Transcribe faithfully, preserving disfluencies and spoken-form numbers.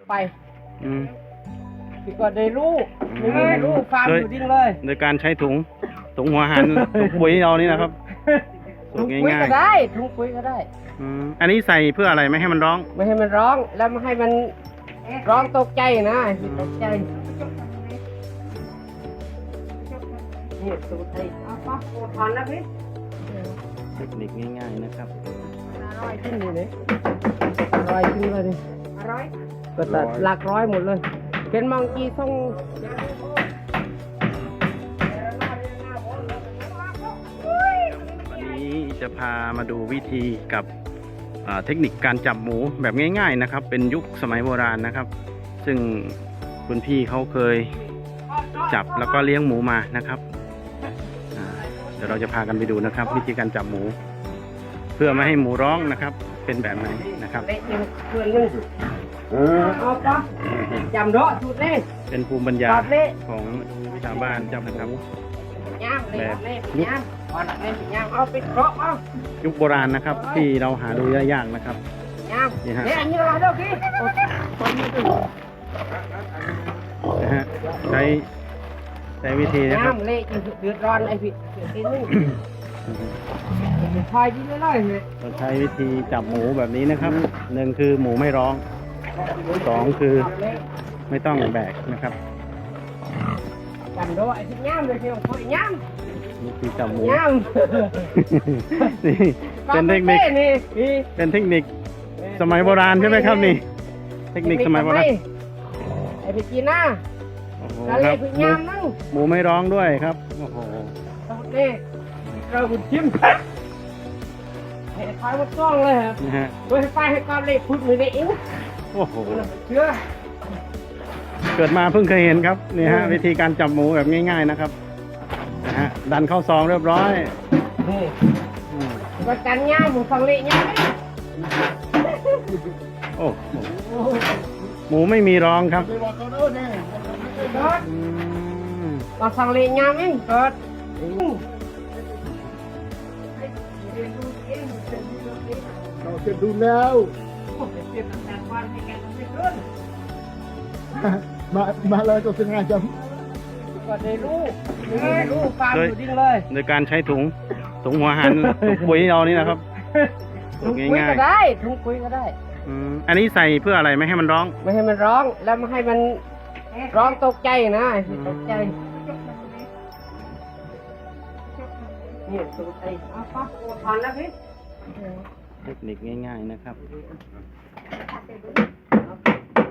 ไปอืมพี่ก็ได้รู้ไม่ได้รู้ฟาร์มอยู่ดิ้งเลยโดยการใช้ถุงถุงหัวหัน ถุงปุ๋ยเรานี่นะครับถุงปุ๋ยก็ได้ถุงปุ๋ยก็ได้อืมอันนี้ใส่เพื่ออะไรไม่ให้มันร้องไม่ให้มันร้องแล้วไม่ให้มันร้องตกใจนะตกใจนี่สูตรไอ้เอาปะโอทอนแล้วพี่เทคนิคง่ายๆนะครับอร่อยขึ้นเลยอร่อยขึ้นเลยอร่อยก็ตัดหลักร้อยหมดเลยเป็นมังกีส่งวันนี้จะพามาดูวิธีกับเทคนิคการจับหมูแบบง่ายๆนะครับเป็นยุคสมัยโบราณนะครับซึ่งคุณพี่เขาเคยจับแล้วก็เลี้ยงหมูมานะครับเดี๋ยวเราจะพากันไปดูนะครับวิธีการจับหมูเพื่อไม่ให้หมูร้องนะครับเป็นแบบไหนนะครับจำร้อสุดเลยเป็นภูมิปัญญาของชาวบ้านจับนะครับแบบยุคยุคโบราณนะครับที่เราหาดูได้ยากนะครับนี่ฮะนะฮะใช้ใช้วิธีนะครับเละจนเดือดร้อนไอ้พี่ใช้ดีเลยเราใช้วิธีจับหมูแบบนี้นะครับหนึ่งคือหมูไม่ร้องสองคือไม่ต้องแบกนะครับจำด้วยไอ้ที่ย่ำเลยที่ผมย่ำวิธีจับหมูย่ำนี่เป็นเทคนิคเป็นเทคนิคสมัยโบราณใช่ไหมครับนี่เทคนิคสมัยโบราณไอ้พี่จีน่าครับหมูไม่ร้องด้วยครับโอ้โหนี่เราบุญจิ้มเห็นไฟมันต้องเลยครับนะฮะโดยไฟให้ก้อนเล็กพุดมือในอิ้วโอ้โหเชื่อเกิดมาเพิ่งเคยเห็นครับนี่ฮะวิธีการจับหมูแบบง่ายๆนะครับนะฮะดันเข้าซองเรียบร้อยก็กันย่างหมูฟังเละย่างโอ้หมูไม่มีร้องครับมาฟังเละย่างเองเกิดเราจะดูแล้วมามาเลยตัวสิงห์จำก็ได้รู้ได้รู้ฟาร์มอยู่ดิ้งเลยโดยการใช้ถุงถุงหัวหันถุงปุ๋ยเรานี่นะครับถุงปุ๋ยก็ได้ถุงปุ๋ยก็ได้อันนี้ใส่เพื่ออะไรไม่ให้มันร้องไม่ให้มันร้องแล้วไม่ให้มันร้องตกใจนะตกใจนี่สูตรไอ้เอาปะโอทอนแล้วพี่เทคนิคง่ายๆนะครับ